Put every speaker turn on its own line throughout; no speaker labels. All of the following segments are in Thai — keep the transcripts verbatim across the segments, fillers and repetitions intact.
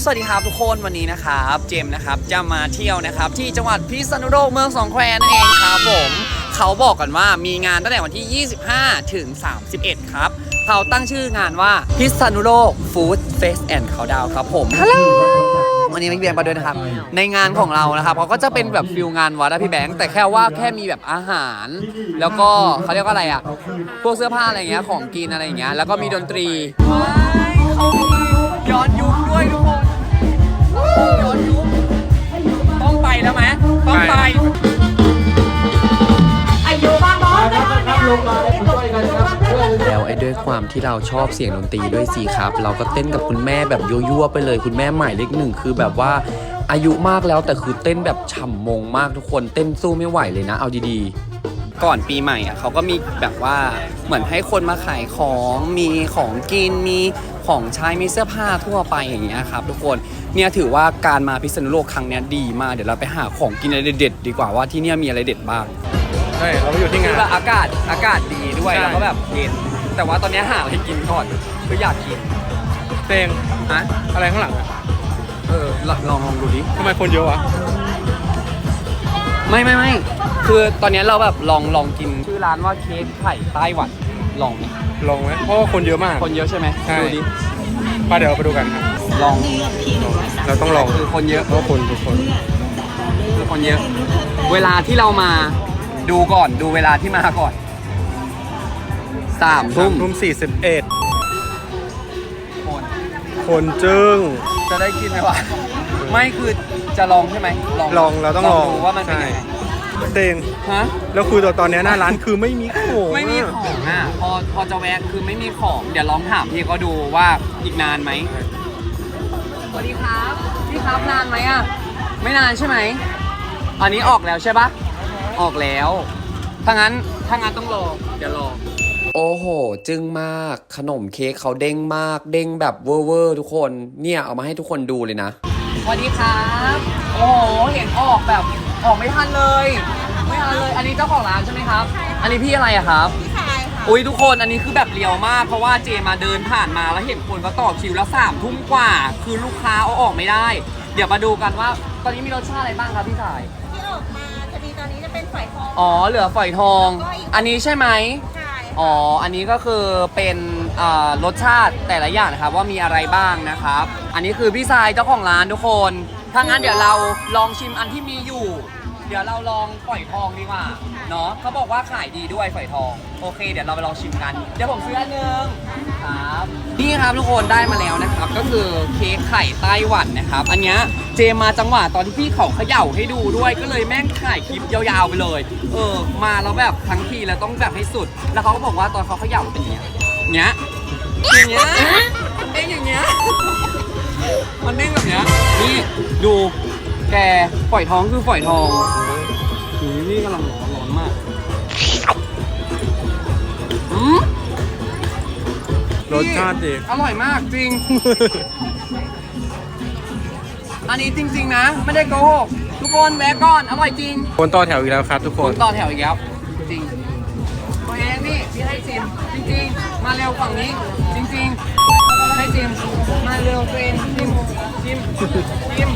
สวัสดีครับทุกคนวันนี้นะครับเจมนะครับจะมาเที่ยวนะครับที่จังหวัดพิษณุโลกเมืองสองแควนั่นเองครับผมเขาบอกกันว่ามีงานตั้งแต่วันที่ยี่สิบห้าถึงสามสิบเอ็ดครับเขาตั้งชื่องานว่าพิษณุโลกฟู้ดเฟสแอนด์เขาดาวครับผมฮัลโหลวันนี้พี่แบงค์มาด้วยนะครับในงานของเรานะครับเขาก็จะเป็นแบบฟิลงานวัดนะพี่แบงค์แต่แค่ว่าแค่มีแบบอาหารแล้วก็เขาเรียกว่าอะไรอ่ะพวกเสื้อผ้าอะไรเงี้ยของกินอะไรอย่างเงี้ยแล้วก็มีดนตรีเขาย้อนยุคด้วยทุกคนย้อนยุคต้องไปแล้วไหมต้องไปแล้วไอ้ด้วยความที่เราชอบเสียงดนตรีด้วยสิครับเราก็เต้นกับคุณแม่แบบยั่วๆไปเลยคุณแม่หมายเลขหนึ่งคือแบบว่าอายุมากแล้วแต่คือเต้นแบบฉ่ำมงมากทุกคนเต้นสู้ไม่ไหวเลยนะเอาดีๆก่อนปีใหม่อ่ะเขาก็มีแบบว่าเหมือนให้คนมาขายของมีของกินมีของใช้มีเสื้อผ้าทั่วไปอย่างเงี้ยครับทุกคนเนี่ยถือว่าการมาพิษณุโลกครั้งนี้ดีมากเดี๋ยวเราไปหาของกินอะไรเด็ดๆดีกว่าว่าที่เนี่ยมีอะไรเด็ดบ้าง
ใช่เราไปอยู่ที่งาน
แบบอากาศอากาศดีด้วยแล้วก็แบบเย็นแต่ว่าตอนนี้หาอะไรกินก่อนคืออยากกิน
เตง
ฮะ
อะไรข้างหลังอะ
เออลองลองลองดูดิ
ทำไมคนเยอะวะ
ไม่ไม่ไม่คือตอนนี้เราแบบลองลองกินชื่อร้านว่าเค้กไข่ไต้หวันลองไหม
ลองไหมเพราะว่าคนเยอะมาก
คนเยอะใช่ไหมดูดิ
ไปเดี๋ยวเราไปดูกันครับ
ลอง
เราต้องลอง
คือคนเยอะ
เพราะคนทุกคน
คือคนเยอะเวลาที่เรามาดูก่อนดูเวลาที่มาก่อนสามทุ่ม
ทุ่มสี่สิบเอ็ด
คน
คนจึง
จะได้กินไหมวะไม่คือจะลองใช่ไหม
ลองลองเราต้องลอง
ดูว่ามันเป็นยังไง
เตง
ฮะ
แล้วคือตอนนี้หน้าร้านคือไม่มีของ
ไม่มีของอ่ะพอพอจะแวะคือไม่มีของเดี๋ยวลองถามพี่เขาดูว่าอีกนานไหมสวัสดีครับพี่ครับนานไหมอ่ะไม่นานใช่ไหมอันนี้ออกแล้วใช่ปะออกแล้วถ้างั้นถ้างั้นต้องรอเดี๋ยวรอโอ้โหจึ้งมากขนมเค้กเขาเด้งมากเด้งแบบเวอร์เวอร์ทุกคนเนี่ยเอามาให้ทุกคนดูเลยนะสวัสดีครับโอ้โหเห็นออกแบบออกไม่ทันเลยไม่ทันเลยอันนี้เจ้าของร้านใช่ไหมครับอันนี้พี่อะไรอะครับพี่ชายค่ะอุ้ยทุกคนอันนี้คือแบบเรียวมากเพราะว่าเจมาเดินผ่านมาแล้วเห็นคนก็ต่อคิวแล้วสามทุ่มกว่าคือลูกค้าเอาออกไม่ได้เดี๋ยวมาดูกันว่าตอนนี้มีรสชาติอะไรบ้างครับพี่ชาย
ที่ออกมาจะมีตอนนี้จะเป็นฝอยทอง
อ๋อเหลือฝอยทองอันนี้ใช่ไหม
ใช่
อ๋ออันนี้ก็คือเป็นรสชาติแต่ละอย่างนะครับว่ามีอะไรบ้างนะครับอันนี้คือพี่ชายเจ้าของร้านทุกคนถ้างั้นเดี๋ยวเราลองชิมอันที่มีอยู่เดี๋ยวเราลองฝอยทองดีกว่าเนาะเขาบอกว่าขายดีด้วยฝอยทองโอเคเดี๋ยวเราไปลองชิมกันเดี๋ยวผมซื้ออันนึงครับนี่ครับทุกคนได้มาแล้วนะครับก็คือเค้กไข่ไต้หวันนะครับอันนี้เจมาจังหวะตอนที่พี่เขาเขย่าให้ดูด้วยก็เลยแม่งถ่ายคลิปยาวๆไปเลยเออมาแล้วแบบทั้งทีแล้วต้องแบบให้สุดแล้วเขาก็บอกว่าตอนเขาเขย่าเป็นอย่างเงี้ยเนี้ยอย่างเงี้ยเด้งอย่างเงี้ยมันเด้งแบบเนี้ยนี่ดูแกฝอยทองคือฝอยทองหืมนี่กำลังร้อนร้อนมากอืม
รสชาติดี
อร่อยมากจริง อันนี้จริงๆนะไม่ได้โกหกทุกคนแวะก่อนอร่อยจริง
คนต่อแถวอีกแล้วครับทุกคน
คนต่อแถวอีกแล้วจริงตัวเองนี่พี่ให้ชิมจริงๆมาเร็วฝั่งนี้จริงๆให้ชิมมาเร็วตัวเองชิมชิมชิม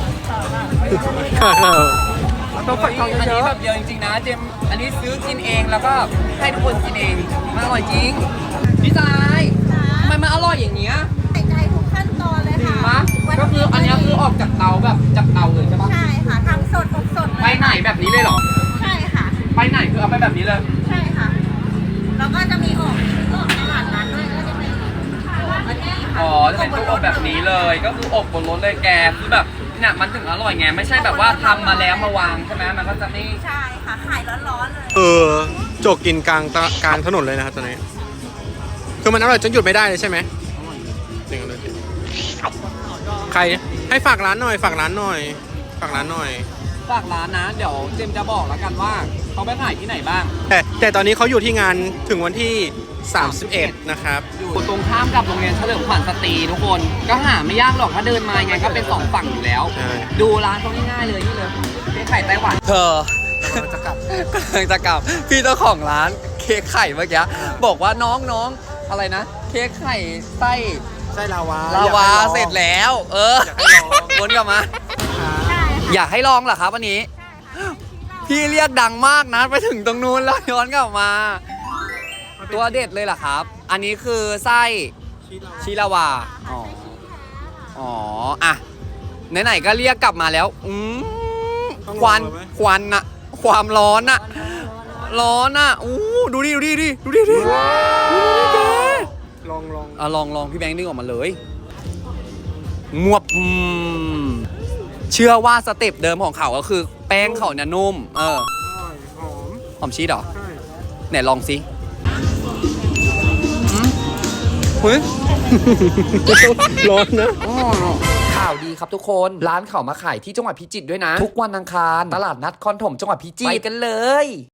ต้องฝักทองเยอะ
อันนี้แบบเยอะจริงๆนะเจมอันนี้ซื้อกินเองแล้วก็ให้ทุกคนกินเองมันอร่อยจริงพี่ชายทำไมมันอร่อยอย่างเงี้ย
ใส่ใจทุกขั้นตอนเลยค่ะ
ก็คืออันนี้คือออกจากเตาแบบจากเตาเลยใช่ปะ
ใช่ค่ะทำสดอบสด
ไปไหนแบบนี้เลยเหรอ
ใช่ค่ะ
ไปไหนคือเอาไปแบบนี้เลย
ใช่ค่ะแล้วก็จะมีออกออกตลาดนัดด้วยก็จะเป็นอันนี้ค่ะ
อ๋อจะเป็นตู้อบแบบนี้เลยก็คืออบบนรถเลยแกคือแบบเนี่ยมันถึงอร่อยไงไม่ใช่แบบว่าทำมาแล้วมาวางใช่ไหมมันก็จะไม่
ใช่ค่ะขายร้อนๆเลย
เออโจกกินกลางกลางถนนเลยนะครับตอนนี้คือมันอร่อยจนหยุดไม่ได้เลยใช่ไหมหนึ่งเลยใครให้ฝากร้านหน่อยฝากร้านหน่อยฝากร้านหน่อย
ฝากร้านนะเดี๋ยวเจมจะบอกแล้วกันว่าเขาไปขายที่ไหนบ้าง
แต่แต่ตอนนี้เขาอยู่ที่งานถึงวันที่สามสิบเอ็ดนะครับ
อยู่ตรงข้ามกับโรงเรียนเฉลิมขวัญสตรีทุกคนก็หาไม่ยากหรอกถ้าเดินมาไงก็เป็นสองฝั่งอยู่แล้วดูร้านเขาง่ายๆเลยนี่เลยเค้กไข่ไต้หวันเธอกำลังจะกลับกำลังจะกลับพี่เจ้าของร้านเค้กไข่เมื่อกี้บอกว่าน้องๆอะไรนะเค้กไข่ไส้
ไส้ลาวา
ลาวา
อยกให้อง
เสร็จแล้ว เออ
อยากให้ลอง
วนกลับมา อยากให้ลองเหรอครับวันนี้ พี่เรียกดังมากนะไปถึงตรงนู้นแล้วย้อนกลับมา ตัวเด็ดเลยเหรอครับ อันนี้คือไส้ชิลาวา อ๋อ อ๋อ อ่ะ ไหนๆก็เรียกกลับมาแล้ว อืมควัน ควันอะความร้อนอะร้อนอะอู้ดูดิ ดูดิดิดูดิดิดูดิแก
ลองลอง
อ่ะลองลองพี่แบงค์ดึงออกมาเลยงวบอืมเชื่อว่าสเต็ปเดิมของเขาก็คือแป้งเขาเนี่ยนุ่ม เออ
อร่อยหอม
หอมชีสเหรอ
ใช่
ไหนลองสิอืมเฮ้ย
ร้อนนะ
ข่าวดีครับทุกคน ร้านเขามาขายที่จังหวัดพิจิตรด้วยนะ ทุกวันอังคาร ตลาดนัดคอนถมจังหวัดพิจิตร ไปกันเลย